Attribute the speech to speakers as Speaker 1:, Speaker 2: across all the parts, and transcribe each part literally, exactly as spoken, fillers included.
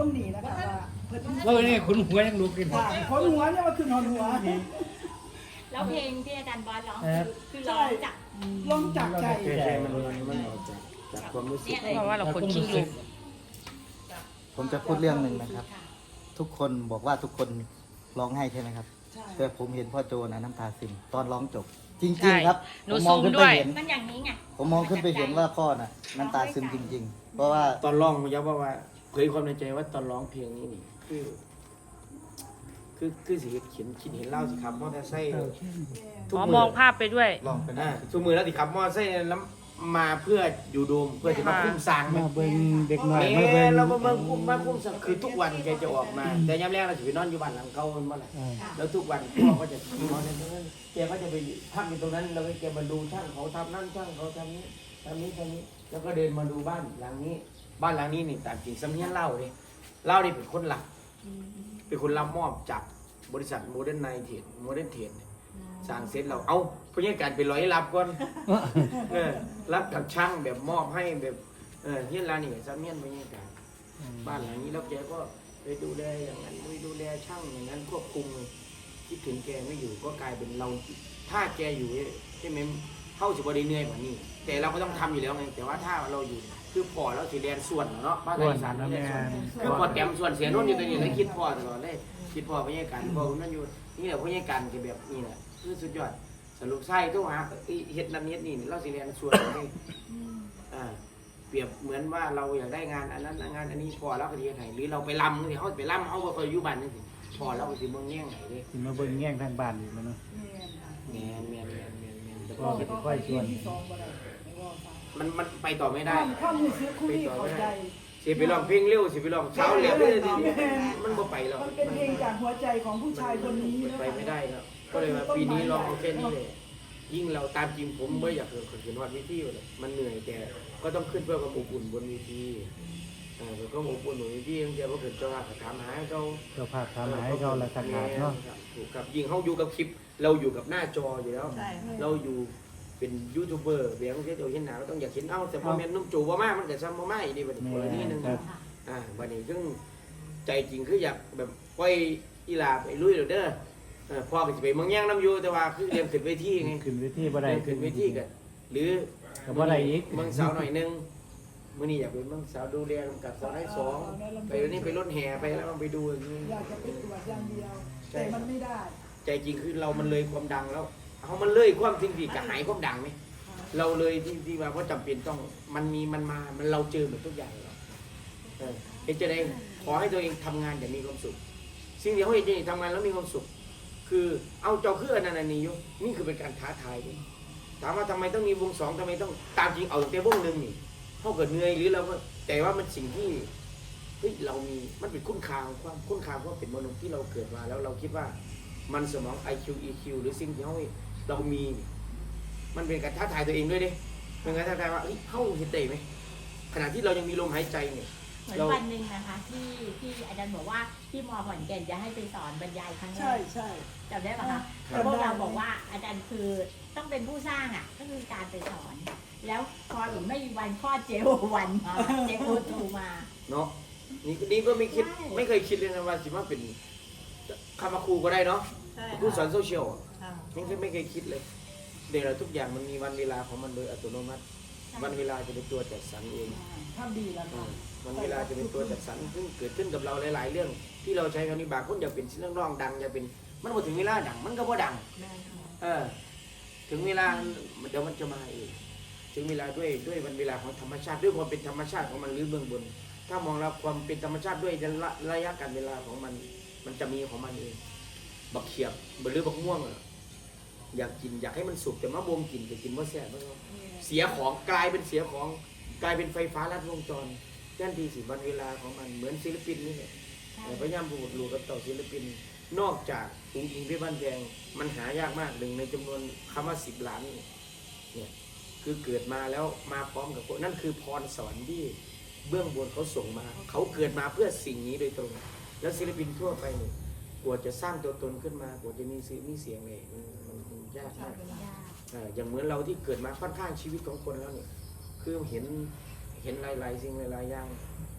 Speaker 1: ต้องหนีนะคะว่าเพิ่น
Speaker 2: แล้วนี่คุณหัวยังลุกขึ้น
Speaker 1: ค่ะคนหัวเนี่ยมันคือหอนหัว
Speaker 3: แล้วเพลงที่อาจารย์บอสร้อง
Speaker 2: ครับ
Speaker 3: คือร้องจาก
Speaker 1: ลองจากใจ
Speaker 4: ใจมันมันออกจากจากความรู้สึก
Speaker 5: เพราะว่าเราคนขี้ลืม
Speaker 6: ผมจะพูดเรื่องหนึ่งนะครับ ทุกคนบอกว่าทุกคนร้องไห้ใช่ไหมครับ
Speaker 1: ใช่
Speaker 6: แต่ผมเห็นพ่อโจนะน้ำตาซึมตอนร้องจบ จ
Speaker 5: ใช่
Speaker 6: ริงๆครับ
Speaker 5: หนู
Speaker 6: ผมมองขึ้น
Speaker 5: ซูมด้
Speaker 6: ไป
Speaker 5: วย
Speaker 6: เห็น
Speaker 3: มันอย่างนี้ไง
Speaker 6: ผมมองขึ้นไปเห็นว่าพ่อน่ะน้ำตาซึมจริง ๆ เพราะว่า
Speaker 4: ตอนร้องผมย้ำว่าว่าเผยความในใจว่าตอนร้องเพลงนี้นี่คือ คือคือสิเขียนคิดเห็นเล่าสิครับมอเตอร์ไซค์
Speaker 5: หมอมองภาพไปด้วย
Speaker 6: ร้องไป
Speaker 4: อ่า
Speaker 6: ได้
Speaker 4: ทุกมือแล้วสิครับมอเตอร์ไซค์แล้วมาเพื่ออยู่โดมเพื่อจะมาคุ้มสร้าง
Speaker 2: มาเบิ่งเด็กน้อย
Speaker 4: แม่
Speaker 2: มาเบิ่ง
Speaker 4: เรามาเบิ่งคุ้มมาคุ้มสร้างคือทุกวันแกจะออกมา แต่ยามแรกเราจะไปนอนอยู่บ้านหลังเก่ามันเมื่อไหร่แล้วทุกวันพ่อก็จะนอนในตรงนั้นแกก็จะไปพักอยู่ตรงนั้นแล้วแกมาดูช่างเขาทำนั่นช่างเขาทำนี้ทำนี้ทำนี้ แล้วก็เดินมาดูบ้านหลังนี้ บ้านหลังนี้นี่ตามจริงสำเนียงเล่าเลยเล่านี่เป็นคนหลัก เป็นคนรับมอบจากบริษัทโมเดิร์นไนเทดโมเดิร์นเทดสร้างเสร็จเราเอาพยาการไปร้อยรับก่อนเออรับกับช่างแบบมอบให้แบบเออเฮียนร้านนี่สำเนียงพยาการบ้านหลังนี้แล้วแกก็ไปดูแลอย่างนั้นไปดูแลช่างอย่างนั้นควบคุมคิดถึงแกไม่อยู่ก็กลายเป็นเราถ้าแกอยู่ใช่ไหมเข้าสิบวันเหนื่อยกว่านี้แต่เราก็ต้องทำอยู่แล้วไงแต่ว่าถ้าเราอยู่คือพอแล้วสีแดนส่วนเนาะบ้าน
Speaker 2: ส่วน
Speaker 4: อีสาน
Speaker 2: นะ
Speaker 4: นี่
Speaker 2: แม่
Speaker 4: แหละส่วน คือพอแต้มส่วนเสียโน่นอยู่ตัวนี้แล้วคิดพ่อตลอดเลยคิดพ่อพยาการพ่อคุณนั่นอยู่นี่แหละพยาการจะแบบนี่แหละคือสุดยอดสรุปไส้ทุกหาเฮ็ดน้ำเฮ็ดนี่เราสิเรียนส่วนนี่อ่าเปรียบเหมือนว่าเราอยากได้งานอันนั้นงานอันนี้พอแล้วก็ดีให้หรือเราไปลำนี่เขาไปลำเขาก็เคยอยู่บ้านนี่สิพอแล้วก็สิเมืองแง่งไหนดิ
Speaker 2: สิมาเบิ่งแง่งทางบ้านอีกแล้วเนาะ
Speaker 4: แมนแมนแมนแมนแมนแต่
Speaker 2: ก็
Speaker 4: ก็
Speaker 2: สิค่อยชวน
Speaker 1: ที่สองบ่ได้ไม่ว่าค่ะ
Speaker 4: มันมันไปต่อไม่ได้
Speaker 1: ข้ามมือซื้อคู่นี้เข้าใจ
Speaker 4: สิไปลองเพลงเร็วสิไปลองเช้าเร็วเลยสิมันบ่ไปหรอก
Speaker 1: มันเป็นเพลงจากหัวใจของผู้ชายคนนี้นะ
Speaker 4: ไปไม่ได้แล้วก็เลยว่าปีนี้ลองเอาแค่นี้เลยยิ่งเราตามจริงผมไม่อยากเกิดขึ้นวัดวิธีเลยมันเหนื่อยแต่ก็ต้องขึ้นเพื่อความอบอุ่นบนเวทีอ่าแล้วก็อบอุ่นบนเวทีตั้งแต่ว่าเกิดเจ้าภาพถามหาเขา
Speaker 2: เจ้าภาพทำให้เขาละสักขาดเนาะ
Speaker 4: ถูกครับยิ่งเขาอยู่กับคลิปเราอยู่กับหน้าจออยู่แล้ว เราอยู่เป็นยูทูบเบอร์เบียงเจ้าเห็นหนาเราต้องอยากเห็นเอ้าแต่พอแม่นุ่มจูว่ามากมันแต่ซ้ำว่ามากอีกดีบัดนี้คนละนี่นึงอ่าบัดนี้ซึ่งใจจริงคืออยากแบบปล่อยอีลาไปลุยเด้อพ่อก็จะไปเมืองย่างน้ำยูแต่ว่าคือเรียนขึ้นเวทีไง
Speaker 2: ขึ้นเวทีบ่ได้
Speaker 4: เรียนขึ้นเวทีกันหรือ
Speaker 2: ก็บ่ได้อีก
Speaker 4: เมืองสาวหน่อยนึงมื่อนี้อยากเป็นเมืองสาวดูแลกับสาวให้สองไปวันนี้ไปรถแห่ไปแล้วไปดูอย่างนี้
Speaker 1: อยากจะไปตรวจอย่างเดียว แต่มันไม่ได้
Speaker 4: ใจจริงคือเรามันเลยความดังแล้วเอามันเลยความจริงที่กระหายความดังไหมเราเลยที่ที่ว่าเพราะจำเป็นต้องมันมีมันมามันเราเจอหมดทุกอย่างแล้วเออเห็นจะได้ขอให้ตัวเองทำงานอย่างมีความสุขสิ่งที่เขาเห็นจะทำงานแล้วมีความสุข คือเอาเจ้าคืออันนั้นอันนี้อยู่นี่คือเป็นการท้าทายดิถามว่าทำไมต้องมีวงสองทำไมต้องตามจริงเอาแต่วงหนึ่งนี่เท่าเกิดเหนื่อยหรือเราก็แต่ว่ามันสิ่งที่เฮ้ยเรามีมันเป็นคุณค่าของความคุณค่าเพราะเป็นมนุษย์ที่เราเกิดมาแล้วเราคิดว่ามันสมอง ไอ คิว อี คิว หรือสิ่งที่เราเรามี มันเป็นการท้าทายตัวเองด้วยดิเป็นการท้าทายว่าเฮ้ยเข้าเห็นได้ไหมขณะที่เรายังมีลมหายใจเนี่ย
Speaker 3: เหมือนวันหนึ่งนะคะที่ที่อาจารย์บอกว่าที่มอขอนแก่นจะให้ไปสอนบรรยายครั้งแร
Speaker 1: ใช่
Speaker 3: ก
Speaker 1: ใช่
Speaker 3: จำได้ปะคะ
Speaker 1: ครับ
Speaker 3: พวกเราบอกว่าอาจารย์คือต้องเป็นผู้สร้างอ่ะก็คือการไปสอน แล้วพออีกไม่มีวันคลอดเจโอวันมาเจโอทูมา
Speaker 4: เนาะนี่นี่ก็ไม่คิดไม่เคยคิดเลยนะว่าสิว่าเป็นคำว่าครูก็ได้เนาะครูสอนโซเชียลไม่เคยไม่เคยคิดเลยเดี๋ยวทุกอย่างมันมีวันเวลาของมันโดยอัตโนมัติ วันเวลาจะเป็นตัวจัดสรรเอง
Speaker 1: ทำดีแล้วค่ะ
Speaker 4: วันเวลาจะเป็นตัวจัดสรรซึ่งเกิดขึ้นกับเราหลาย ๆ เรื่อง ที่เราใช้คำนี้บางคนอยากเป็นเรื่องร้องดังอยากเป็นมันพอถึงเวลาดังมันก็พอดังเออถึงเวลาเดี๋ยวมันจะมาเองถึงเวลาด้วยด้วยวันเวลาของธรรมชาติด้วยความเป็นธรรมชาติของมันหรือเบื้องบน ถ้ามองแล้วความเป็นธรรมชาติด้วยระยะการเวลาของมันมันจะมีของมันเองบักเขียบหรือบักม่วงอะอยากกินอยากให้มันสุกแต่มะบวมกินจะกินว่าแซ่บมากเสียของกลายเป็นเสียของกลายเป็นไฟฟ้าลัดวงจรแท้ที่สิวันเวลาของมันเหมือนศิลปินนี่แหละพยายามพูดรู้กับต่อศิลปินนอกจากจริงๆพี่บ้านแพงมันหายากมากหนึ่งในจำนวนคำว่าสิบล้านเนี่ยคือเกิดมาแล้วมาพร้อมกับนั่นคือพรสวรรค์ที่เบื้องบนเขาส่งมาเขาเกิดมาเพื่อสิ่งนี้โดยตรงแล้วศิลปินทั่วไปเนี่ยกว่าจะสร้างตัวตนขึ้นมากว่าจะมีสื่อมีเสียงเลยมันยากมากอย่างเหมือนเราที่เกิดมาค่อนข้างชีวิตของคนแล้วเนี่ยคือเห็นเห็นหลายๆสิ่งหลายๆอย่าง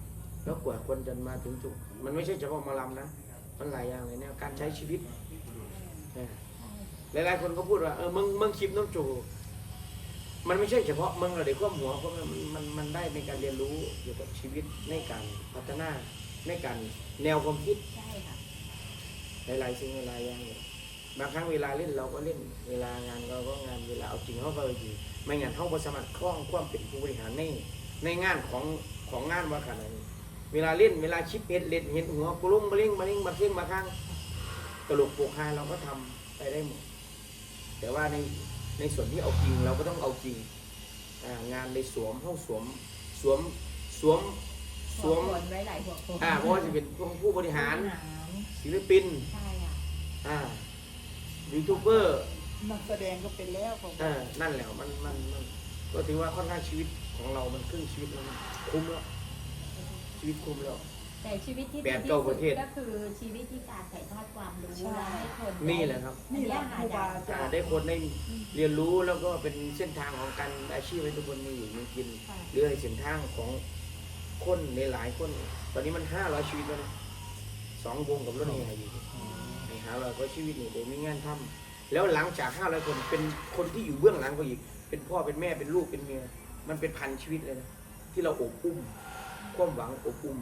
Speaker 4: แล้วกว่าคนจะมาถึงจุดมันไม่ใช่เฉพาะหมาลำนะมันหลายอย่างเลยเนี่ยการใช้ชีวิตนะหลายๆคนก็พูดว่าเออมึงมึงคลิปน้องจูมันไม่ใช่เฉพาะมึงเราเด็กข้อหัวเพราะมันมันมันได้ในการเรียนรู้เกี่ยวกับชีวิตในการพัฒนาในการแนวความคิด
Speaker 3: ใช่ค่ะ
Speaker 4: หลายๆสิ่งหลายๆอย่างเนี่ยบางครั้งเวลาเล่นเราก็เล่นเวลางานเราก็งานเวลาเอาจริงเขาก็เอาจริงไม่งั้นเขาบ่สามารถคล้องความเป็นผู้บริหารในในงานของของงานว่าขนาดนี้เวลาเล่นเวลาชิปเห็ดเล่นเห็นหัวกลุ้มมาเล่งมาเล่งมาเท่งมาข้างตลกโปกฮาเราก็ทำไปได้หมดแต่ว่าในในส่วนที่เอาจริงเราก็ต้องเอาจริงอ่างานในสวมห้องสวมสวมสวมส
Speaker 3: หัว
Speaker 4: วม
Speaker 3: โขนไว้หลายหัวโขน
Speaker 4: อ่าเพราะว่าจะเป็นผู้บริหาร
Speaker 3: ผู้บริหาร
Speaker 4: ศิลปิน
Speaker 3: ใช่ค่ะ
Speaker 4: อ่ายูทูบเบอร์
Speaker 1: นักแสดงก็เป็นแล้วของ
Speaker 4: เออนั่นแหละมันมันมันก็ถือว่าค่อนข้างชีวิตของเรามันครึ่งชีวิตแล้วมันคุ้มแล้วชีวิตคุ้มแล้ว
Speaker 3: แต่ชีวิตที่
Speaker 4: แป
Speaker 3: ดี
Speaker 4: ด
Speaker 3: ที่
Speaker 4: เก้า
Speaker 3: สุ
Speaker 4: ป
Speaker 3: ด
Speaker 4: ระเทศ
Speaker 3: ก็คือชีวิตที่การถ่ายทอดความรู้และให้คน
Speaker 4: นี่แหละครับ
Speaker 1: นี่แหละครูบาอา
Speaker 4: อ่า
Speaker 1: จารย์
Speaker 4: ได้คนได้เรียนรู้แล้วก็เป็นเส้นทางของการอาชีพให้ทุกคนมีอยู่มีกินหรือในเส้นทางของคนในหลายคน ตอนนี้มันห้าร้อยชีวิตแล้วนะสองวงกับรถนี่อยู่ในหาร้อยก็ชีวิตนี่เดี๋ยวมีงานทำแล้วหลังจากห้าร้อยคนเป็นคนที่อยู่เบื้องหลังก็อีกเป็นพ่อเป็นแม่เป็นลูกเป็นเมียมันเป็นพันชีวิตเลยนะที่เราอบอุ้มความหวังอบอุ้ม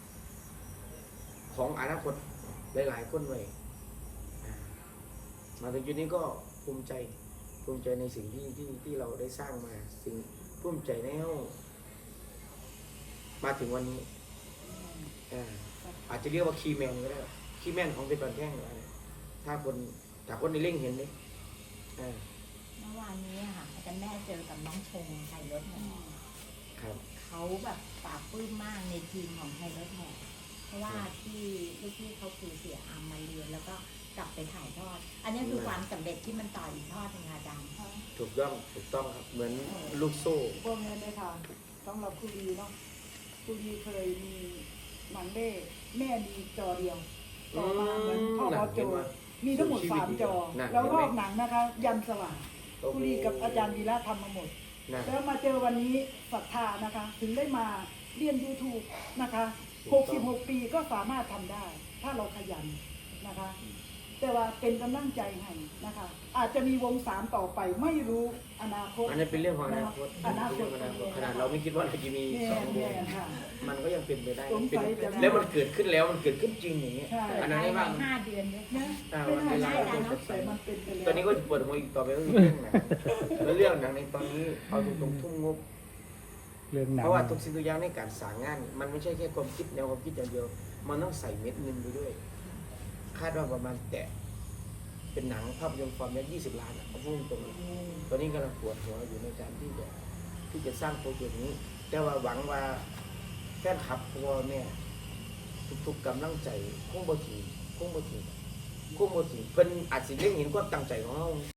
Speaker 4: ของอนาคตหลายๆคนไว้อ่ามาถึงจุดนี้ก็ภูมิใจภูมิใจในสิ่งที่ที่ที่เราได้สร้างมาสิ่งภูมิใจในเฮามาถึงวันนี้อ่าอาจจะเรียกว่าคีย์แมนก็ได้คีย์แมนของเป็นบันแท่งก็ได้ถ้าคนถ้าคนในเร่งเห็นเลยอ่า
Speaker 3: เมื่อวานนี้อะค่ะอาจารย์แม่เจอกับน้องชงไทยรถแห่
Speaker 4: ครับ
Speaker 3: เขาแบบปลาบปลื้มมากในทีมของไทยรถแห่เพราะว่าที่ลูกพี่เขาคือเสียอามมาเรียนแล้วก็กลับไปถ่ายทอด อันนี้คือความสำเร็จที่มันต่ออีกทอดหนึงค่ะอาจารย์
Speaker 4: ถูกต้องถูกต้องครับเหมือนลูกโซ่
Speaker 1: พวกนี้ได้ทานสำหรับครูดีเนาะครูดีเคยมีหนังเด้แม่มีจอเดียวต่อมาเหมือนพ่อพอโจมีทั้งหมดสามจอ แล้วรอบหนังนะคะ ยันสว่างครูดีกับอาจารย์วีระทำมาหมด
Speaker 4: นะ
Speaker 1: แล้วมาเจอวันนี้ศรัทธานะคะ ถึงได้มาเรียน YouTube นะคะหกสิบหกปีก็สามารถทำได้ ถ้าเราขยันนะคะ แต่ว่าเป็นกำลังใจให้นะคะ อาจจะมีวงสามต่อไปไม่รู้อนาคต
Speaker 4: อันนี้เป็นเรื่องของอนาคต
Speaker 1: อนาค
Speaker 4: เรื่
Speaker 1: ต
Speaker 4: องของอนาคตขนาดเราไม่คิดว่าเราจะมี
Speaker 1: แม่
Speaker 4: สองว
Speaker 1: แม่
Speaker 4: ง
Speaker 1: ค่ะ
Speaker 4: มันก็ยังเป็นไปได้
Speaker 1: สงสัย
Speaker 4: เป็น
Speaker 1: จะ
Speaker 4: แล้วมันเกิดขึ้นแล้วมันเกิดขึ้นจริงอย่างเงี้ย
Speaker 1: ใช่
Speaker 4: อันนั้น
Speaker 3: ภาย
Speaker 4: ได้
Speaker 3: ใน
Speaker 4: บ้าง
Speaker 3: ห้าเดือนด้วย
Speaker 1: นะ
Speaker 4: อ่า
Speaker 1: ไม่
Speaker 4: วัน
Speaker 1: น่า
Speaker 4: เวลา
Speaker 1: เชื่อ
Speaker 4: เรา
Speaker 1: เนาะแต่มันเป็นไปแล้ว
Speaker 4: ตอนนี้ก็ปวดหัวอีกต่อไปก็คือเรื่องหนังแล้วเรื่องหนังในตอนนี้เอาตรงๆทุ่มงบ
Speaker 2: เรื่องหนัง
Speaker 4: เพราะว่าทุกสิ่งทุกอย่างในการสร้างงาน มันไม่ใช่แค่ความคิดแนวความคิดอย่างเดียว มันต้องใส่เม็ดเงินไปด้วย คาดว่าประมาณแตะเป็นหนังภาพยนตร์ความยาวยี่สิบล้านอ่ะเอาพูดตรงๆตอนนี้กำลังปวดหัวอยู่ในการที่จะที่จะสร้างโปรเจกต์นี้ แต่ว่าหวังว่าแฟนคลับพ่อแม่ทุกๆกำลังใจคงบ่ถึงคงบ่ถึงคงบ่ถึงเพิ่นอาจสิเล็งเห็นความตั้งใจของเรา